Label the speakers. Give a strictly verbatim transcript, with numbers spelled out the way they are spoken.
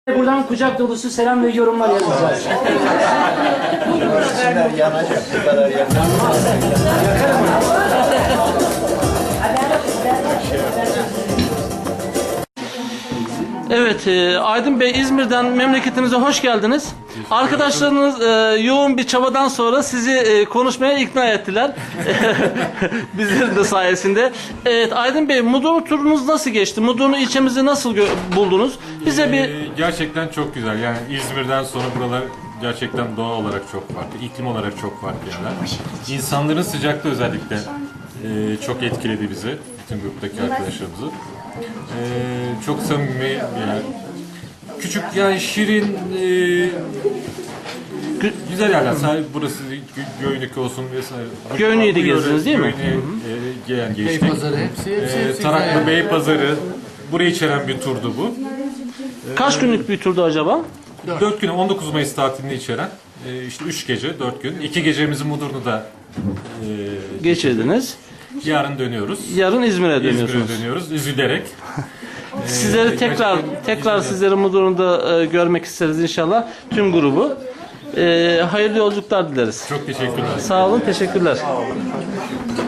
Speaker 1: Buradan kucak dolusu selam ve yorumlar yazacağız.
Speaker 2: Sinirler yanacak, bu kadar yanacak.
Speaker 3: Evet, e, Aydın Bey, İzmir'den memleketinize hoş geldiniz. Arkadaşlarınız e, yoğun bir çabadan sonra sizi e, konuşmaya ikna ettiler. Bizlerin de sayesinde. Evet, Aydın Bey, Mudurnu turunuz nasıl geçti? Mudurnu ilçemizi nasıl buldunuz? Bize bir...
Speaker 4: Ee, gerçekten çok güzel. Yani İzmir'den sonra buralar gerçekten doğa olarak çok farklı, iklim olarak çok farklı yerler. İnsanların sıcaklığı özellikle e, çok etkiledi bizi, bütün gruptaki arkadaşlarımızı. E, çok samimi bir yer. Küçük, yani şirin, e, güzel yerler. Sadece burası Gö- Göynük olsun vesaire.
Speaker 3: Göynük'ü de gezdiniz değil mi?
Speaker 4: Göynük'e, e, gelen geçtik.
Speaker 5: Beypazarı hepsi hepsi
Speaker 4: E,
Speaker 5: hepsi
Speaker 4: Taraklı
Speaker 5: güzel.
Speaker 4: Beypazarı, burayı içeren bir turdu bu.
Speaker 3: Kaç günlük bir turdu acaba?
Speaker 4: dört gün, on dokuz Mayıs tatilini içeren e, işte üç gece, dört gün. iki gecemizi Mudurnu'da e,
Speaker 3: Geçirdiniz.
Speaker 4: yarın dönüyoruz.
Speaker 3: Yarın İzmir'e dönüyorsunuz.
Speaker 4: İzmir'e dönüyoruz üzülerek.
Speaker 3: Sizleri tekrar
Speaker 4: gerçekten
Speaker 3: tekrar
Speaker 4: İzmir'de-
Speaker 3: sizleri Mudurnu'da e, görmek isteriz inşallah. Tüm grubu. E, hayırlı yolculuklar dileriz.
Speaker 4: Çok teşekkürler.
Speaker 3: Sağ olun, teşekkürler.